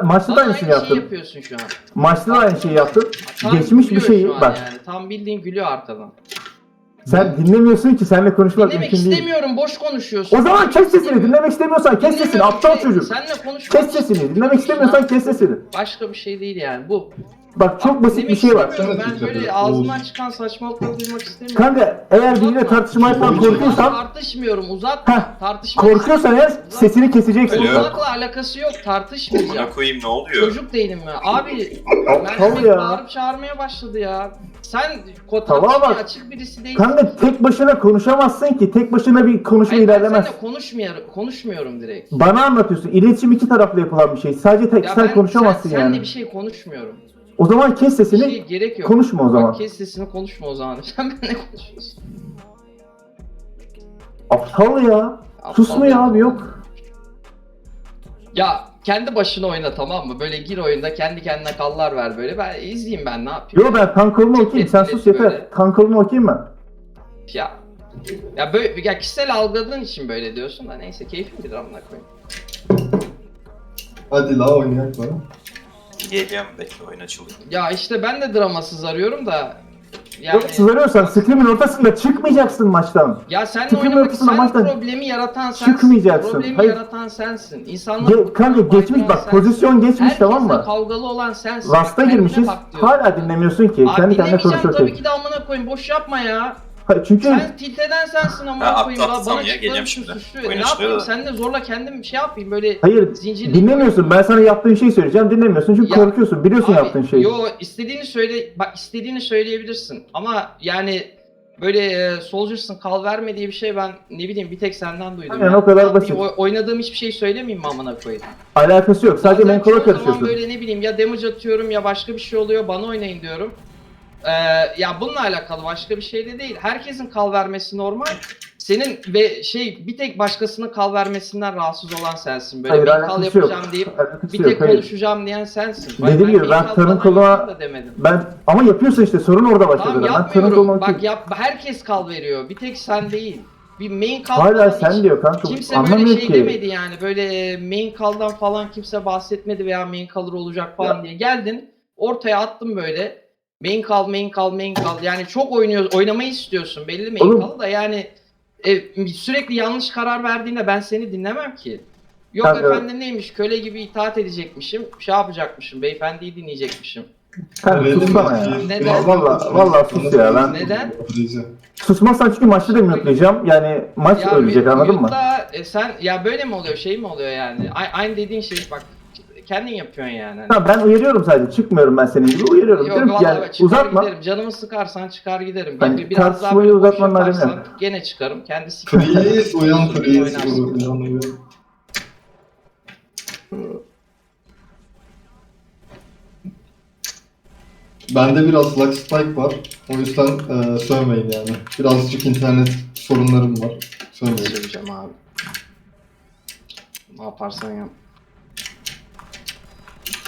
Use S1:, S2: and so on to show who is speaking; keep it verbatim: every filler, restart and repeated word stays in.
S1: maçta da aynı şeyi
S2: Aynı
S1: yaptın.
S2: şeyi yapıyorsun şu an.
S1: Maçta da aynı şeyi yaptın.
S2: Tam
S1: Geçmiş bir
S2: gülüyor
S1: şeyi
S2: şu an
S1: bak.
S2: Yani. Tam bildiğin gülüyor arkadan.
S1: Sen dinlemiyorsun ki, seninle konuşmak
S2: Dinlemek
S1: mümkün değil.
S2: istemiyorum, boş konuşuyorsun.
S1: O zaman
S2: Dinlemek
S1: kes sesini.
S2: istemiyorum.
S1: Dinlemek istemiyorsan kes sesini.
S2: Dinlemiyorum
S1: Aptal
S2: ki,
S1: çocuk.
S2: Seninle konuşmak
S1: Kes sesini. Dinlemek
S2: çocuksun
S1: istemiyorsan
S2: lan.
S1: kes sesini.
S2: Başka bir şey değil yani bu.
S1: Bak çok
S2: Bak,
S1: basit bir
S2: dinlemek
S1: şey var.
S2: istemiyorum. Ben
S3: Sana
S2: böyle
S3: dikkat et,
S2: ağzından
S3: Oğuz.
S2: çıkan saçmalıkları duymak istemiyorum.
S1: Kanka eğer biriyle
S2: Uzatma.
S1: tartışmaktan
S3: Oğuz.
S1: korkuyorsan,
S2: Tartışmıyorum, uzatma.
S1: heh,
S2: Tartışmak
S1: korkuyorsan eğer sesini keseceksin.
S4: Alo.
S2: Konuşmakla alakası yok, tartışmayacağım.
S4: Buna koyayım ne oluyor?
S2: Çocuk değilim mi? Abi,
S1: Aptal
S2: Mert'e
S1: ya.
S2: bağırıp çağırmaya başladı ya. Sen ko-
S1: Tamam
S2: tartışmaya
S1: bak.
S2: açık birisi değilsin.
S1: Kanka tek başına konuşamazsın ki. Tek başına bir konuşma
S2: Hayır, ben
S1: ilerlemez.
S2: seninle konuşmuyorum, konuşmuyorum direkt.
S1: Bana anlatıyorsun. İletişim iki taraflı yapılan bir şey. Sadece tek
S2: Ya
S1: sen
S2: ben
S1: konuşamazsın
S2: sen,
S1: yani.
S2: Seninle bir şey konuşmuyorum.
S1: O zaman kes
S2: Bir
S1: sesini.
S2: şey gerek yok.
S1: Konuşma o zaman.
S2: Bak kes sesini, konuşma o zaman. Sen benimle konuşuyorsun.
S1: Aptal ya. Susmuyor abi, yok.
S2: Ya kendi başına oyna, tamam mı? Böyle gir oyunda, kendi kendine kallar ver böyle. Ben izleyeyim, ben ne yapayım?
S1: Yo, ben tankolunu okuyayım. Sen sus yeter.
S2: Böyle.
S1: Tankolunu okuyayım ben.
S2: Ya ya böyle ya kişisel algıladığın için böyle diyorsun da neyse, keyfim bilir, amına koyayım.
S3: Hadi la oynayak bana.
S4: Geliyorum, bekle oyun açılıyor.
S2: Ya işte ben de dramasız arıyorum da yani
S1: Yok, sızarıyorsan scrim'in ortasında çıkmayacaksın maçtan.
S2: ya senle
S1: Scrim'in
S2: oynamak,
S1: ortasında
S2: sen
S1: maçtan
S2: problemi yaratan sensin.
S1: çıkmayacaksın.
S2: Problemi
S1: Hayır.
S2: yaratan sensin. İnsanlar
S1: Ge- kanka geçmiş bak, pozisyon geçmiş, tamam mı?
S2: kavgalı olan sensin.
S1: Rasta
S2: Kendine
S1: girmişiz.
S2: bak diyorum.
S1: Hala dinlemiyorsun ki.
S2: Abi
S1: Kendi kendine
S2: dinlemeyeceğim
S1: konuşuyor
S2: tabii
S1: tek.
S2: ki de, amına koyayım, boş yapma ya.
S1: Hayır, çünkü
S2: Sen tilt eden sensin, amına
S4: Ha,
S2: koyayım.
S4: atla,
S2: Bana
S4: atsam ya,
S2: çıkmanın
S4: geleceğim
S2: için
S4: şimdi.
S2: suçlu.
S4: Oyun
S2: Ne
S4: açılıyor
S2: yapayım?
S4: da.
S2: Seninle zorla kendim şey yapayım böyle.
S1: hayır
S2: zincirli-
S1: dinlemiyorsun. Ben sana yaptığın şeyi söyleyeceğim. Dinlemiyorsun çünkü
S2: Ya,
S1: korkuyorsun. Biliyorsun
S2: Abi,
S1: yaptığın şeyi.
S2: Yo, istediğini söyle, bak istediğini söyleyebilirsin ama yani böyle e, Soldiers'ın kal verme diye bir şey ben ne bileyim bir tek senden duydum.
S1: Aynen,
S2: ya.
S1: o kadar
S2: Ne yapayım,
S1: basit.
S2: o- oynadığım hiçbir şey söylemeyeyim mi amına koyayım?
S1: Alakası yok. Sadece
S2: Bazen
S1: menkola
S2: çoğu zaman
S1: karışıyorsun.
S2: böyle ne bileyim ya damage atıyorum ya başka bir şey oluyor, bana oynayın diyorum. Ee, ya bununla alakalı, başka bir şey de değil. Herkesin kal vermesi normal. Senin ve şey bir tek başkasının kal vermesinden rahatsız olan sensin. Böyle
S1: Hayır,
S2: ben kal
S1: alakası yok.
S2: yapacağım deyip
S1: Alakası
S2: bir
S1: yok,
S2: tek
S1: hayır.
S2: konuşacağım diyen sensin.
S1: Dediğim gibi ben
S2: kal
S1: tanın
S2: falan
S1: koluna-
S2: yapayım da demedim.
S1: Ben ama yapıyorsun işte, sorun orada başladı.
S2: Tamam
S1: ben tanın
S2: yapmıyorum.
S1: kolunu
S2: Bak
S1: okuyayım.
S2: yap, herkes kal veriyor. Bir tek sen değil. Bir main kal
S1: Hala
S2: falan
S1: sen
S2: hiç-
S1: diyor kanka.
S2: Kimse
S1: Anlamıyor
S2: böyle şey
S1: ki.
S2: demedi yani. Böyle main kaldan falan kimse bahsetmedi veya main kalır olacak falan
S1: Ya.
S2: diye. Geldin ortaya attım böyle. Main kal, main kal, main kal. Yani çok oynuyor, oynamayı istiyorsun. Belli main
S1: Oğlum.
S2: kalı da yani e, sürekli yanlış karar verdiğinde ben seni dinlemem ki. Yok
S1: Kanka.
S2: efendim neymiş, köle gibi itaat edecekmişim, şey yapacakmışım, beyefendiyi dinleyecekmişim.
S1: Kanka
S3: Verelim
S1: sussana
S3: mi?
S1: ya.
S2: Neden?
S1: Valla valla sus ya. Ben
S2: Neden?
S1: susmazsan çünkü maçta da mute'layacağım. Yani maç ölecek, anladın mı?
S2: mute'la, e, sen ya böyle mi oluyor, şey mi oluyor yani? A- aynı dediğin şey bak, kendin yapıyorsun yani. Hani.
S1: Ha, ben uyarıyorum sadece. Çıkmıyorum ben senin gibi. Uyarıyorum.
S2: Yok
S1: Diyorum ki
S2: vallahi
S1: yani
S2: bak, çıkar
S1: uzatma.
S2: giderim. Canımı sıkarsan çıkar giderim.
S1: Hani
S2: Bir- Biraz daha
S1: tartışmayı
S2: böyle boş
S1: uzatmanın alemi
S2: yaparsan
S1: yok.
S2: gene çıkarım. Kendisi
S3: Freeze uyan freeze.
S2: Oynarsın.
S3: Uyan uyan. Bende biraz lag spike var. O yüzden e, sövmeyin yani. Birazcık internet sorunlarım var. Sövmeyin.
S2: söyleyeceğim abi. Ne yaparsan yap.